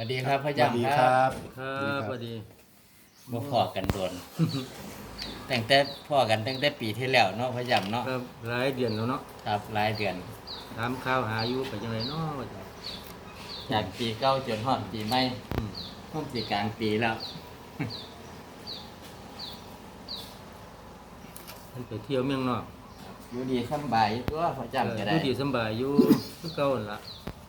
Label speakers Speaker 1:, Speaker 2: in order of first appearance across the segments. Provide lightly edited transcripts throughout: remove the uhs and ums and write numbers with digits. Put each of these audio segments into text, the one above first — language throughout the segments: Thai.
Speaker 1: วัสดีครับพ่อ
Speaker 2: สวัสดี
Speaker 1: จำ
Speaker 2: ค
Speaker 1: ค
Speaker 2: รั
Speaker 1: รับบ
Speaker 3: ครับสวัสดี
Speaker 1: บ่พอกันโดน ตั้งแต่พ่อกันตั้งแต่ปีที่แล้วเนาะพ่อจำเนาะ
Speaker 3: ครับหลายเดือนแล้วเนาะ
Speaker 1: ครับหลายเดือน
Speaker 3: ถามข่าวหาอยู่ไปจังไดเนาะว่าจะ
Speaker 1: จากปีเก่าจนฮอดปีใหม่
Speaker 3: อืม
Speaker 1: ฮอดสิกลางปีแล้ว
Speaker 3: มันไปเที่ยวเมืองนอก
Speaker 1: อยู่ดีสำบายอยู่ตัวพ่อจำก็ได้
Speaker 3: อยู่ดีสำบายอยู่คือเก่านั่นล่ะ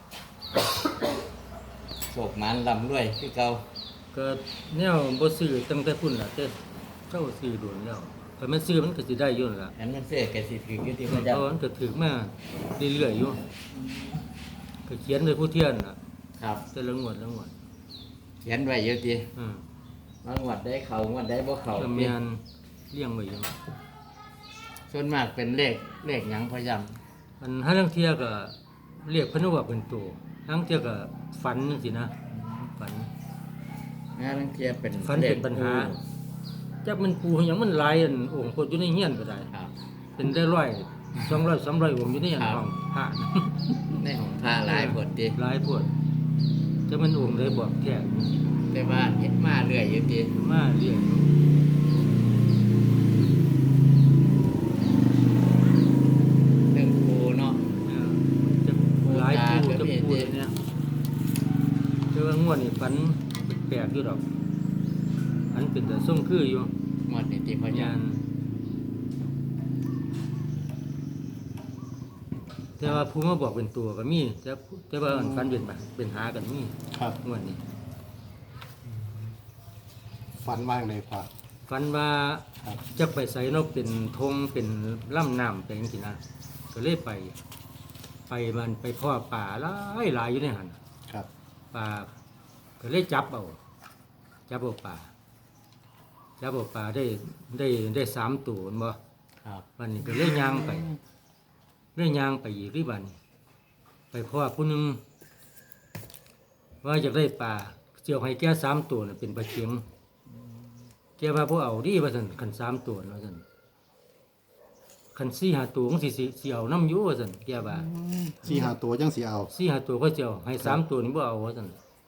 Speaker 1: โศกมันลำรวยคือเก่า
Speaker 3: ก็แนวบ่ซื้อตั้งแต่พุ่นล่ะแต่เจ้าซื้อโดนแล้วถ้ามันซื้อมันก็สิได้อยู่นั่นล่ะ
Speaker 1: อันมันเสื้อก็สิถืออยู่ที่พ่อ
Speaker 3: เพราะ
Speaker 1: จำ
Speaker 3: มันก็ถึกมาเรื่อยๆอยู่ก็เขียนโดยผู้เที่ยนน่ะ
Speaker 1: ครับ
Speaker 3: แต่ละงวดละงวด
Speaker 1: เขียนไว้เยอะที
Speaker 3: อืม
Speaker 1: บางวัดได้เขางวัดได้บ่เขา
Speaker 3: ก็แม่นเลี้ยงไว้อยู่
Speaker 1: ส่วนมากเป็นเลขหยังพ่อจำ
Speaker 3: อันหาลางเที่ยก็เรียกเพิ่นว่าเป็นตัวหาลางเที่ยก็ฝันจังซี่นะฝัน
Speaker 1: งานลังเทียเป็น
Speaker 3: ฝันเป็นปัญหา จักมันปูหยังมันหลายอันองค์คนอยู่ในเฮียนก็ได้
Speaker 1: ครับ
Speaker 3: เป็นได้ร้อย200 300องค์อยู่ในเฮียน
Speaker 1: ครับ
Speaker 3: ห้องพระ
Speaker 1: ในของผ้าหลายผลดี
Speaker 3: หลายพวดจักมันองค์ได้บอกแท้
Speaker 1: แต่ว่าเห็นมาเรื่อยอยู่ดี
Speaker 3: มาเรียก
Speaker 1: เรื่องครูเนาะ
Speaker 3: จักหลายปู
Speaker 1: โอกาส
Speaker 3: จัก
Speaker 1: ก็มี
Speaker 3: ปูเนี่ยแต่ว่างวดนี้ฝันแปลกอยู่ดอกอันเป็นแต่ทรงคืออยู่
Speaker 1: หมดนี่ที่พ่อจ
Speaker 3: ยานแต่ว่าผู้มาบอกเป็นตัวก็มีแต่ว่าอันฝันเป็นหากันมี
Speaker 2: ครับ
Speaker 3: งวดนี้
Speaker 2: ฝันว่างเลยพอ
Speaker 3: ฝันว่า
Speaker 2: ครับ
Speaker 3: จะไปใส่นกเป็นธงเป็นล่ำน้ำเป็นจังซี่นะก็เลยไปมันไปพ่อป่าหลายอยู่ในหัน
Speaker 2: ครับ
Speaker 3: ป่าก็เลยจับเอาป่าได้3ตัวแม่นบ่
Speaker 1: ำครับ
Speaker 3: วันนี้ก็เลยย่างไปอีกที่บัดนไปพ่อผู้หนึงว่าอยากได้ป่าเจียวให้แก่3ตัวน่ะเป็นปลาเข็งแกว่าบ่เอาดิว่าซั่นคัน3ตัวว่าซั่นคัน4 5ตัวของสิเอานำอยู่ว่าซั่นแกว่า
Speaker 2: 4-5ตัวจังสิเอา
Speaker 3: 4 5ตัวก็สิเอาให้3ตัวนี่บ่เอาว่าซั่น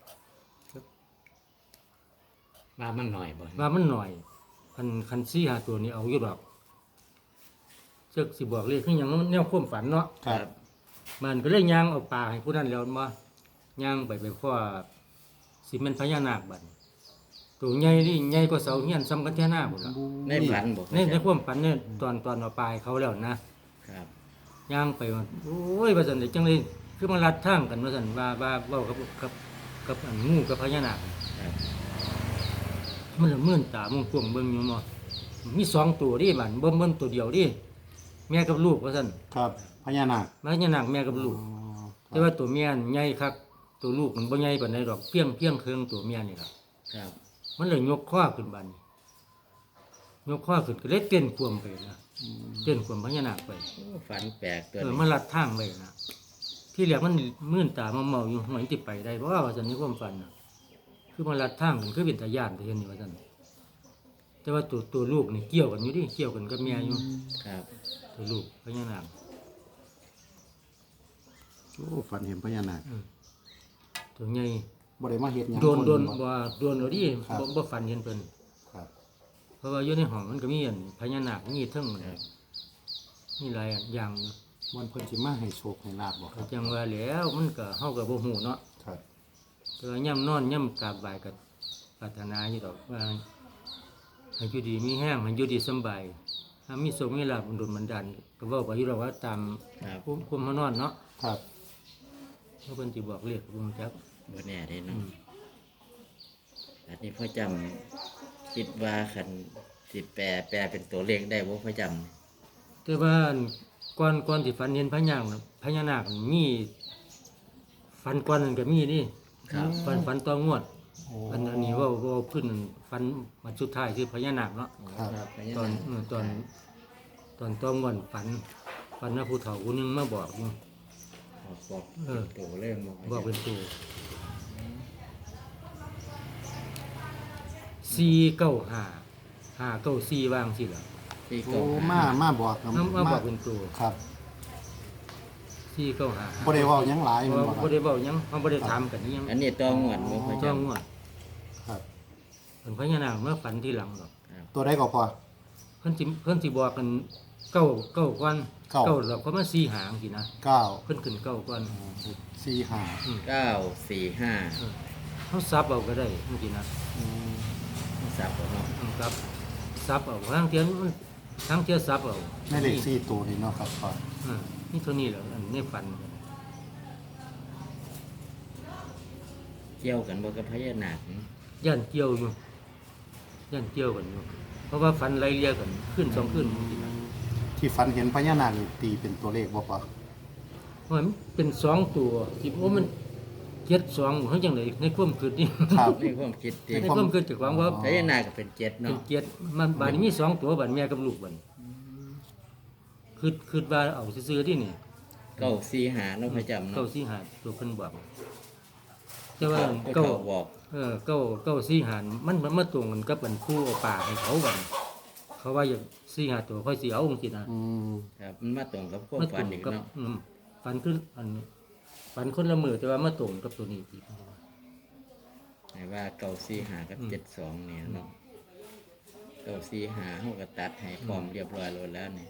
Speaker 1: มามันหน่อยบ่
Speaker 3: ว่ามันหน่อยคัน4 5ตัวนี่เอาอยู่ดอกจักสิบอกเลขคือหยังแนวความฝันเนาะ
Speaker 2: ครับ
Speaker 3: มันก็เลยย่างเอาปลาให้ผู้นั้นแล้วมาย่างไปพ่อสิเป็นพญานาคบัดนี้ตัวใหญ่นี่ใหญ่กว่าเสาเฮียนซ้ำกันแท่หน้าพุ่นล่ะ
Speaker 1: ในฝันบ่
Speaker 3: ในความฝันเนี่ยตอนเอาปลาให้เขาแล้วนะครับ ย่างไปว่าโอ้ยว่าซั่นได้จังเลยคือมันลัดทางกันว่าซั่นว่าเว้ากับอันงูกับพญานาค
Speaker 1: ครับ
Speaker 3: มันละมื่นตามุ่งกวงเบิ่งอยู่บ่มี2ตัวดิบัดเบิ่งตัวเดียวดิแม่กับลูกว่าซั่น
Speaker 2: ครับพญานาค
Speaker 3: พญานาคแม่กับลูก
Speaker 2: อ๋อ
Speaker 3: แต่ว่าตัวเมียนี่ใหญ่คักตัวลูกมันบ่ใหญ่ปานใดดอกเพียงเครื่องตัวเมียนี่ล่ะ
Speaker 1: ครับ
Speaker 3: มันเลยยกข้อขึ้นบัดนี้ยกข้อขึ้นก็เลยเต้นควมไปนะเต้นควมพญานาคไป
Speaker 1: โอ้ฝันแปลกตัว
Speaker 3: เออ
Speaker 1: นี้
Speaker 3: มันลัดทางไปนะที่แรกมันมื่นตาเมาๆอยู่หมันสิไปได้เพราะว่าซั่นนี่ความฝันน่ะคือมันลัดทางกันคือเป็นตาย่านแต่เห็นนี่ว่าซั่นแต่ว่าตัวลูกนี่เกี่ยวกันอยู่ดิเกี่ยวกันกับเมียอยู่
Speaker 1: ครับ
Speaker 3: ตัวลูกพญานาค
Speaker 2: โอ้ฝันเห็นพญานาค
Speaker 3: ตัวใหญ่
Speaker 2: บ่ได้มาเฮ็ดหยัง
Speaker 3: โดน
Speaker 2: คบ่
Speaker 3: ว่าโดนเอาดิ
Speaker 2: ครับ
Speaker 3: บ่ฝันเห็นเพิ่น
Speaker 2: ครับ
Speaker 3: เพราะว่าอยู่ในห้องมันก็มีอันพญานาคมีเทั้ง
Speaker 1: ครับ
Speaker 3: มีหลายอย่าง
Speaker 2: วันเพิ่นสิมาให้โชคให้ลาบบ่ค
Speaker 3: ก็
Speaker 2: รับ
Speaker 3: จังว่าแล้วมันก็เฮาก็บ่ฮู้เนาะ
Speaker 2: ครับ
Speaker 3: แต่ว่าย่ำนอนย่ำกราบไหว้ก็ปรารถนาอยู่ดอกว่าให้อยู่ดีมีแห้งให้อยู่ดีสำบายถ้ามีโชคมีลาภดลบันดาลก็เว้าไปอยู่ดอกว่าตาม
Speaker 1: ครับ
Speaker 3: ภูมิเฮานอนเนาะ
Speaker 2: ครับ
Speaker 3: เพราะเพิ่นสิบอกเลขบ่รู้จัก
Speaker 1: บ่แน่เด้
Speaker 3: อื
Speaker 1: เนาะ
Speaker 3: ม
Speaker 1: อันนี้พ่อจำคิดว่าคันสิแปลเป็นตัวเลขได้บ่พ่อจ
Speaker 3: แต่ว่าก่อนสิฝันเห็นพญานาคน่ะพญานาคมีฝันก่อนนั้นก็มีนี่
Speaker 1: ำครับ
Speaker 3: ฝันต่องวด
Speaker 2: โอ้
Speaker 3: อันนี้เว่าขึ้นฝันวันสุดท้ายคือพญานาคเนาะ
Speaker 2: ครับ
Speaker 1: ครับพญา
Speaker 3: ตอน
Speaker 1: นาค
Speaker 3: ตอนต้องวันฝันว่าผู้เฒ่าคนนึงมาบอกอยู่
Speaker 1: บอก
Speaker 3: เออ
Speaker 1: ตัวเรื่อง
Speaker 3: บอกเป็นตัว495 594วางสิล่ะ
Speaker 1: ที่
Speaker 2: โอ้
Speaker 1: เก่า
Speaker 2: มาบอกกับ
Speaker 3: มาบอกเป็นตัว
Speaker 2: ครับ
Speaker 3: สี่เก้าหา
Speaker 2: บ่ได้เว้าหยังหลาย
Speaker 3: เพ
Speaker 2: แม่
Speaker 3: ราะ
Speaker 2: นบ่
Speaker 3: ว่า
Speaker 2: ค
Speaker 3: บ่
Speaker 2: รับ
Speaker 3: ได้เว้าหยังเขาบ่ได้ถามกันอิหยัง
Speaker 1: อันนี้ต้องหวนบ่พอ
Speaker 3: จ้อง
Speaker 1: จำ
Speaker 3: ว่า
Speaker 2: ครับ
Speaker 3: เป็นพญานาคเมื่อฝันที่หลังหรอก
Speaker 2: ตัวใดก็พอ
Speaker 3: เพิ่นสิบอกกันเก้าก่อน
Speaker 2: เก้า
Speaker 3: แล้วก็มาสี่หางสินะ
Speaker 2: 9
Speaker 3: เพิ่นขึ้นเก้าก่อน
Speaker 2: 4 5
Speaker 1: เก้าสี่ห้า
Speaker 3: เขาซับเอาก็ได้เมื่อกี้นะ
Speaker 1: สับเอาเนาะ
Speaker 3: ครับซับเอาทางเทียนมันทางเทียซับเอา
Speaker 2: แม่เลข4ตัวนี่เนาะครับพอ
Speaker 3: นี่เท่านี้แหละอันนี้ฝัน
Speaker 1: เกี่ยวกันบ่กับพญานาคนี่
Speaker 3: ย่านเกี่ยวอยู่ย่านเกี่ยวกันอยู่เพราะว่าฝันไล่เลี่ยกันขึ้นสองขึ้นเมื่อกี้นะ
Speaker 2: ที่ฝันเห็นพญานาคนี่ตีเป็นตัวเลขบ่พอ
Speaker 3: เพราะมันเป็นสองตัวที่ว่ามันเจ็ดสองเขาจังไดในความคิดนี่
Speaker 2: ครับ
Speaker 1: ในความคิดดิ
Speaker 3: ในความคิดจากความว่า
Speaker 1: พญานาคก็เป็นเจ็ด
Speaker 3: เป็น
Speaker 1: เนาะ
Speaker 3: เจ็ดมันบาดนี้มีสองตัวบาดแม่กับลูกบัดคือว่าเอาซื้อๆที่นี่
Speaker 1: เก้าสี่ห้าเนาะพอจำ
Speaker 3: เก้า
Speaker 1: เนาะ
Speaker 3: สี่หาตัวเพิ่นบอกแต่ว่า
Speaker 1: เก้า
Speaker 3: เก้า
Speaker 1: บอก
Speaker 3: เก้าสี่หานมันมาตรงกันกับอันคู่เอาป่าให้เขาบัดเขาว่าอย่างสี่หาตัวค่อยสิเอาจังซี่นะ
Speaker 2: อืม
Speaker 1: ครับมันมาตรงกับความ
Speaker 3: มาต
Speaker 1: ฝั
Speaker 3: ร
Speaker 1: น
Speaker 3: ง
Speaker 1: อีก
Speaker 3: กับ
Speaker 1: เนาะ
Speaker 3: ฝันคืออันฝันคนละมือแต่ว่ามาตรงกับตัวนี้อีก
Speaker 1: ให้ว่าเก้าสี่ห้ากับเจ็ดสองเนี่ยเนาะเก้าสี่ห้าเฮาก็ตัดให้พร้อมเรียบร้อยแล้วนี่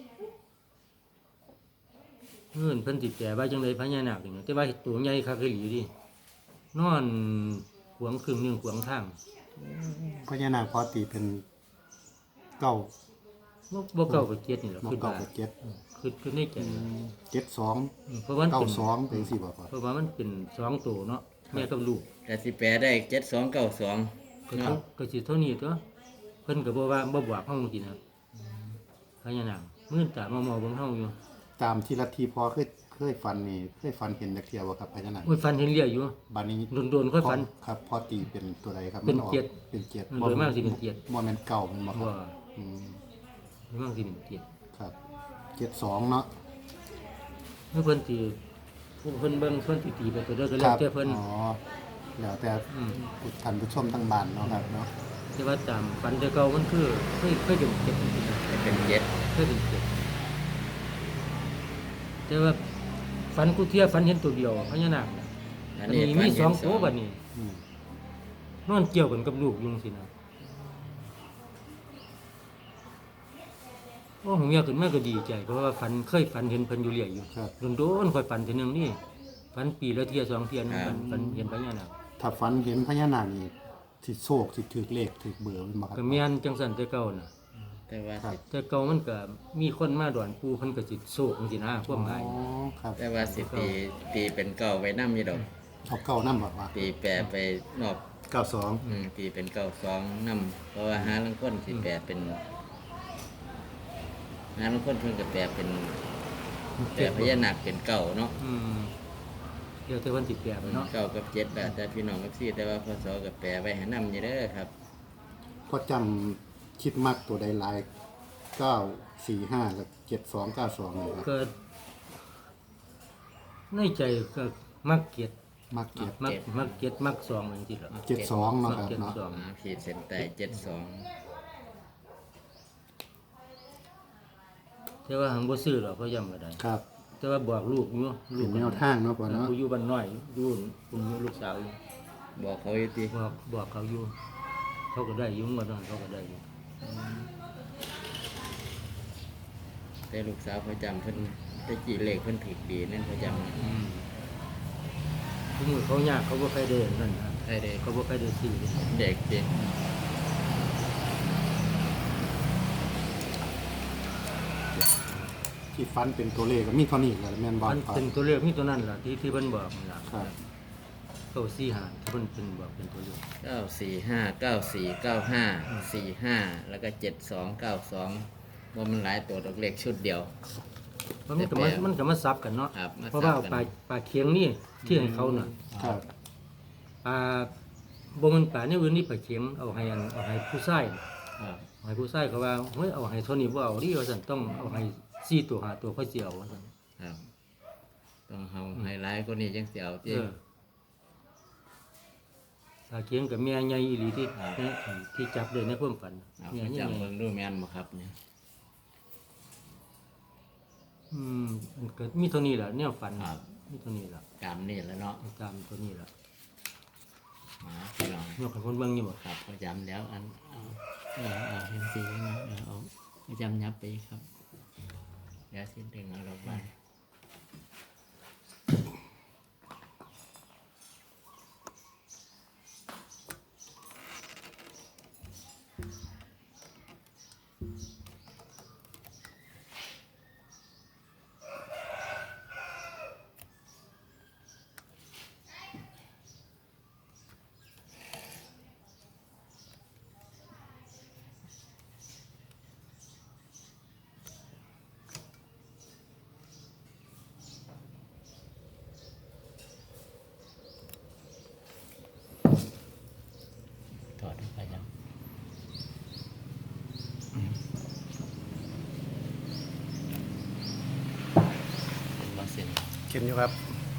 Speaker 3: เพิ่นสิแปลว่าจังไดพญานาคนี่แต่ว่าตัวใหญ่คักอีหลีดินอนขวางครึ่งหนึงขวางทาง
Speaker 2: พญานาคพอตีเป็นเก้า
Speaker 3: บ่เก้ากับเจ็ดนี่แหละ
Speaker 2: บ่
Speaker 3: คือ
Speaker 2: เก้า
Speaker 3: ว่า
Speaker 2: กับเจ็ด
Speaker 3: คือในใจ
Speaker 2: 72
Speaker 3: เพราะว่ามัน
Speaker 2: เก้า
Speaker 3: เป็น
Speaker 2: สองเป็นสิบ่พอ
Speaker 3: เพราะว่ามันเป็นสองตัวเนาะแม่กับลูก
Speaker 1: แต่สิแปลได้เจ็ดสองเก้าสอง
Speaker 3: ก็
Speaker 1: เนาะ
Speaker 3: ก็สิเท่านี้ตัวเพิ่นก็บ่ว่าบ่บอกเฮาจริงนะพญานาคมื้อตาเมาๆเบิ่งเฮาอยู่
Speaker 2: ตามที่ลัทธิพอเคยฝันนี่เคยฝันเห็นจักเที่ยวบ่ครับพญานาค
Speaker 3: โอ้ยฝันเห็นเรียอยู่
Speaker 2: บัดนี้
Speaker 3: โดนๆค่อยฝัน
Speaker 2: ครับพอตีเป็นตัวใดครับ
Speaker 3: เป็น
Speaker 2: มัออก
Speaker 3: เจ็ด
Speaker 2: เป็นเจ็ด
Speaker 3: โดยมากสิเป็นเจ็ด
Speaker 2: บ่แม่นเก้าแม่นบ่ครั
Speaker 3: ว่า
Speaker 2: บอืม
Speaker 3: มั่งสิเป็นเกียรติ
Speaker 2: ครับ72เนาะ
Speaker 3: เมื่อเพิ่นสิผู้เพิ่นเบิ่งเพิ่นสิตีไปตัวเด้อก็
Speaker 2: ค
Speaker 3: แล้ว
Speaker 2: รับ
Speaker 3: แต่เพิ่น
Speaker 2: อ๋อแล้วแต่
Speaker 3: อืม
Speaker 2: ท่านผู้ชมทั้งบ้านเนาะครับเนาะ
Speaker 3: แต่ว่าตามฝันแต่เก่ามันคือเคยเป็นเกียรติจริงๆนะ
Speaker 1: ให้เป็นเจ็ด
Speaker 3: เคยเป็นเกียรติแต่ว่าฝันกูเที่ยฝันเห็นตัวเดียวพญานาคน่ะ
Speaker 1: อั
Speaker 3: อั
Speaker 1: น
Speaker 3: น
Speaker 1: นี้
Speaker 3: นี้
Speaker 1: ฝั
Speaker 3: มี
Speaker 1: น
Speaker 3: ส
Speaker 1: เห็
Speaker 3: อง
Speaker 1: น
Speaker 3: ตัวบัดนี้
Speaker 2: อืม
Speaker 3: นอนเกี่ยวกันกับลูกอยุงสินะโอ้ผมอยากขึ้นมาก็ดีใจเพราะว่าเคยฝันเห็นเพิ่นอยู่เรื่อยอยู่
Speaker 2: ครับ
Speaker 3: โดนๆค่อยฝันทีนึงนี่ฝันปีละเที่ยสองเที่ยนะฝันเห็นพญานาค
Speaker 2: ถ้าฝันเห็นพญานาคนี่สิโชคสิถูกเลขถูกเบอร์แม่นบ่ครับ
Speaker 3: ก็แม่นจังซั่นแต่เก่าน่ะ
Speaker 1: แต่ว่า
Speaker 2: ครับ
Speaker 1: สิ
Speaker 3: แต่เก่ามันก็มีคนมาดอนปูเพิ่นก็สิโศกจังซี่นะความหมาย
Speaker 2: อ๋อครับ
Speaker 1: แต่ว่าสิตีเป็นเก้าไว้น้ำอยู่ดอก
Speaker 2: เอาเก้านำบ่ว่า
Speaker 1: ตีแปลไปนอก
Speaker 2: 92
Speaker 1: ตีเป็นเก้าสองน้ำเพราะว่าหาลังคนสิแปลเป็นหาลังคนเพิ่นก็แปลเป็นแปลพญานาคเป็นเก้าเนาะ
Speaker 3: อืมเดี๋ยวแต่เพิ่นสิแปลไปเนาะ
Speaker 1: เก้ากับเจ็ดแบบแต่พี่น้องกับซี่แต่ว่าพศก็แปลไว้ให้น้ำอยู่เด้อครับ
Speaker 2: พอจำคิดมักตัวใดหลาย945กับ7292นี่ครับ
Speaker 3: ก็ในใจก็มักเกียรติ
Speaker 2: มักเก็บ
Speaker 3: มักเกียรติมักซองจังซี่ล่ะ
Speaker 2: 72เนาะครับ
Speaker 3: เจ็ด
Speaker 2: เนาะ
Speaker 3: สอง
Speaker 1: ขีดเส้นใต้เจ็ดสอง
Speaker 3: แต่ว่าหังบ่ซื้อหรอกเขาย้ำก็ได้
Speaker 2: ครับ
Speaker 3: แต่ว่าบอกลูกอยู่ลู
Speaker 2: เป็
Speaker 3: ก
Speaker 2: นแนวทางเนาะพ่อเนาะ
Speaker 3: ผู้อยู่บ้านน้อยอยู่คุณลูกสาวอยู่
Speaker 1: บอกเขาอยู่ติ
Speaker 3: บอกเขาอยู่ เขาก็ได้อยุ่งว่านั้นเขาก็ได้อยู่
Speaker 1: แต่ลูกสาวเขาจำเพิ่นแต่กี่เลขเพิ่นผิดดีนั่นเขาจำ
Speaker 3: ทุกมือเขายากเขาบ่ใครเดินนั่นนะ
Speaker 1: ใช่เด็ก
Speaker 3: เขาบ่ใครเดินซื้อเลย
Speaker 1: เด็กดิ
Speaker 2: ที่ฟันเป็นตัวเลขก็มีเท่านี้แหละแม่นบ่
Speaker 3: มัน
Speaker 2: ครับ
Speaker 3: เป็นตัวเลขมีตัวนั้นล่ะที่เพิ่นบอกนั่นล่ะ
Speaker 2: ครับ
Speaker 3: เขาสี่หาที่เพิ่นเป็นบอกเป็นตัวเลข
Speaker 1: เก้าสี่ห้าเก้าสี่เก้าห้าสี่ห้าแล้วก็7292ว่ามันหลายตัวดอกเลขชุดเดียว
Speaker 3: มันก็มาซับกันเนาะ
Speaker 1: ครับมา
Speaker 3: เพราะว่า
Speaker 1: ซับกัน
Speaker 3: ปลาเคียงนี่ที่ให้เขาน่ะ
Speaker 2: ครับ
Speaker 3: ปลาบ่มันปลาเนี่ยอื่นนี่ปลาเคียงเอาให้ผู้ชาย
Speaker 1: ครับ
Speaker 3: เอาให้ผู้ชายเขาว่าเฮ้ยเอาให้เท่านี้บ่เอาดิว่าซั่นต้องเอาให้4ตัว5ตัวค่อยสิเอาว่าซั่น
Speaker 1: ครับต้องเอาไฮไลท์ก็นี่จังเสียวที่
Speaker 3: ปลาเคียงกับแม่ใหญ่อีหลีที่
Speaker 1: ครับ
Speaker 3: ที่จับได้ในความฝัน
Speaker 1: เอา
Speaker 3: แม่
Speaker 1: ไป
Speaker 3: ใหญ่
Speaker 1: จำเบิ่งดูแม่นบ่ครับเนี่ย
Speaker 3: มันก็มีเท่านี้แหละแนวฝัน
Speaker 1: ครับ
Speaker 3: มีเท่านี้แหละ
Speaker 1: ตามนี่แล้วเนาะ
Speaker 3: ตามตัวนี้แหละ
Speaker 1: พี่น้อง
Speaker 3: ยกให้คนเบิ่งอยู่บ่
Speaker 1: ครับประจำแล้วอันเอาเห็นสีนะเอาประจำยับไปครับเดี๋ยวสิ้นดึงเอาลงมาถอดออกไปยังเป็นบอสเซน
Speaker 2: เขียนอยู่ครับ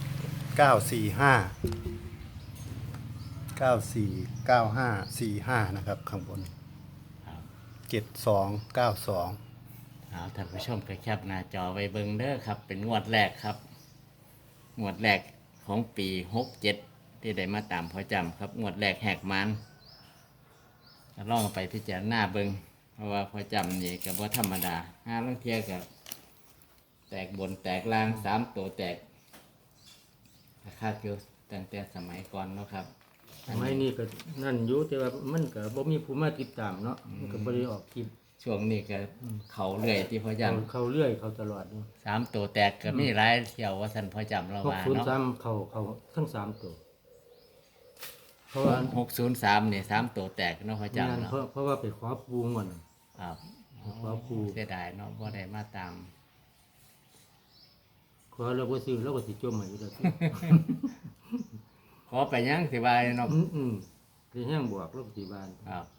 Speaker 2: 945นะครับข้างบน
Speaker 1: ครับ
Speaker 2: 7292
Speaker 1: เอาท่านผู้ชมก็แคปหน้าจอไว้เบิ่งเด้อครับ เป็นงวดแรกครับ งวดแรกของปี67ที่ได้มาตามพอจำครับงวดแรกแหกมันก็ลองเอาไปพิจารณาเบิ่งเพราะว่าพอจำนี่ก็บ่ธรรมดาห้าลางเที่ยกับแตกบนแตกล่าง3ตัวแตกคาดอยู่ตั้งแต่สมัยก่อนเนาะครับ
Speaker 3: สมัยนี้ก็นั่นอยู่แต่ว่ามันก็บ่มีผู้มาติดตามเนาะมันก็บ่ได้ออกคลิป
Speaker 1: ช่วงนี้ก็เขาเรื่อยที่พอจ
Speaker 3: เขาเรื่อยเขาตลอดอยู่
Speaker 1: ำ3ตัวแตกก็มีหลายเที่ยวว่าสันพอจำเราว่าเนาะ
Speaker 3: 603เขาทั้ง3ตัวเพราะว่า
Speaker 1: 603นี่3ตัวแตกเนาะพอจำ
Speaker 3: งาน
Speaker 1: เนาะ
Speaker 3: เพราะว่าไปขอปูงอน
Speaker 1: ครับ
Speaker 3: ขอปู
Speaker 1: เสียดายเนาะบ่ได้มาตาม
Speaker 3: ขอเราบ่ซื้อเราก็สิจมให้อยู่แล้ว
Speaker 1: ขอไปยังสิบายเนาะ
Speaker 3: สิแห้งบวกเราก็สิบาน
Speaker 1: ครับ